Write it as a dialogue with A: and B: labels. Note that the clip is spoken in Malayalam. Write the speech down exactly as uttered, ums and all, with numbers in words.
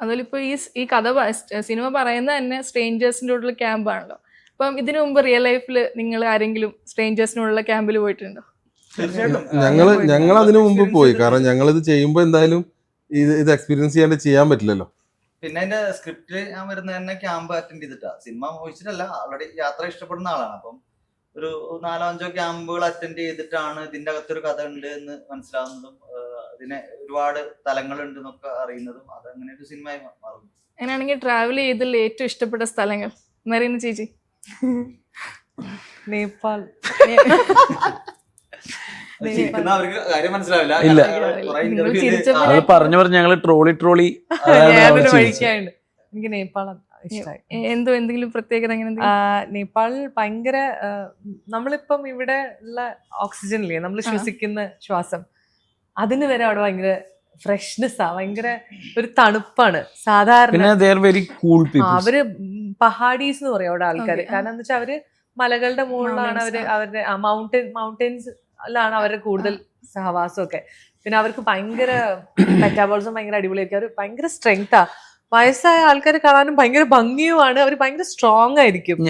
A: അതുപോലെ ഇപ്പൊ ഈ ഈ കഥ സിനിമ പറയുന്ന തന്നെ സ്ട്രേഞ്ചേഴ്സിൻ്റെ ഉള്ള ക്യാമ്പാണല്ലോ. അപ്പം ഇതിനു മുമ്പ് റിയൽ ലൈഫിൽ നിങ്ങൾ ആരെങ്കിലും സ്ട്രേഞ്ചേഴ്സിനുള്ള ക്യാമ്പിൽ പോയിട്ടുണ്ടോ?
B: ഞങ്ങള് ഞങ്ങൾ അതിനു മുമ്പ് പോയി. കാരണം ഞങ്ങൾ ഇത് ചെയ്യുമ്പോൾ എന്തായാലും ഇത് ഇത് എക്സ്പീരിയൻസ് ചെയ്യാണ്ട് ചെയ്യാൻ പറ്റില്ലല്ലോ.
C: പിന്നെ അതിന്റെ സ്ക്രിപ്റ്റില് ഞാൻ വരുന്ന തന്നെ ക്യാമ്പ് അറ്റൻഡ് ചെയ്തിട്ടാ. സിനിമ മോഹിച്ചിട്ടല്ല, ഓൾറെഡി യാത്ര ഇഷ്ടപ്പെടുന്ന ആളാണ്. അപ്പം ഒരു നാലോ അഞ്ചോ ക്യാമ്പുകൾ അറ്റൻഡ് ചെയ്തിട്ടാണ് ഇതിന്റെ അകത്തൊരു കഥ ഉണ്ട് എന്ന് മനസ്സിലാവുന്നതും അതിനെ ഒരുപാട് തലങ്ങളുണ്ട് എന്നൊക്കെ അറിയുന്നതും അത് അങ്ങനെ ഒരു സിനിമയായി മാറുന്നു.
A: അങ്ങനെയാണെങ്കിൽ ട്രാവൽ ചെയ്തതിൽ ഏറ്റവും ഇഷ്ടപ്പെട്ട സ്ഥലങ്ങൾ മെറീന ചേച്ചി?
D: നേപ്പാൾ.
C: അവർക്ക് കാര്യം മനസ്സിലാവില്ല.
E: പറഞ്ഞു പറഞ്ഞു ഞങ്ങള് ട്രോളി ട്രോളി
D: എനിക്ക് നേപ്പാൾ ഇഷ്ടമായി.
A: എന്തോ എന്തെങ്കിലും പ്രത്യേകത?
D: നേപ്പാൾ ഭയങ്കര നമ്മളിപ്പം ഇവിടെ ഉള്ള ഓക്സിജൻ ഇല്ലേ, നമ്മൾ ശ്വസിക്കുന്ന ശ്വാസം, അതിന് വരെ അവിടെ ഭയങ്കര ഫ്രഷ്നെസ് ആ, ഭയങ്കര ഒരു തണുപ്പാണ്. സാധാരണ അവര് പഹാഡീസ് എന്ന് പറയും അവിടെ ആൾക്കാര്. കാരണം എന്താ വെച്ചാൽ അവര് മലകളുടെ മുകളിലാണ് അവര് അവരുടെ മൗണ്ടൻ മൗണ്ടൻസിലാണ് അവരുടെ കൂടുതൽ സഹവാസം ഒക്കെ. പിന്നെ അവർക്ക് ഭയങ്കര മെറ്റാബോളിസം ഭയങ്കര അടിപൊളിയായിരിക്കും. അവർ ഭയങ്കര സ്ട്രെങ്താ. വയസ്സായ ആൾക്കാരെ കാണാനും ഭയങ്കര ഭംഗിയുമാണ്. അവർ ഭയങ്കര സ്ട്രോങ് ആയിരിക്കും.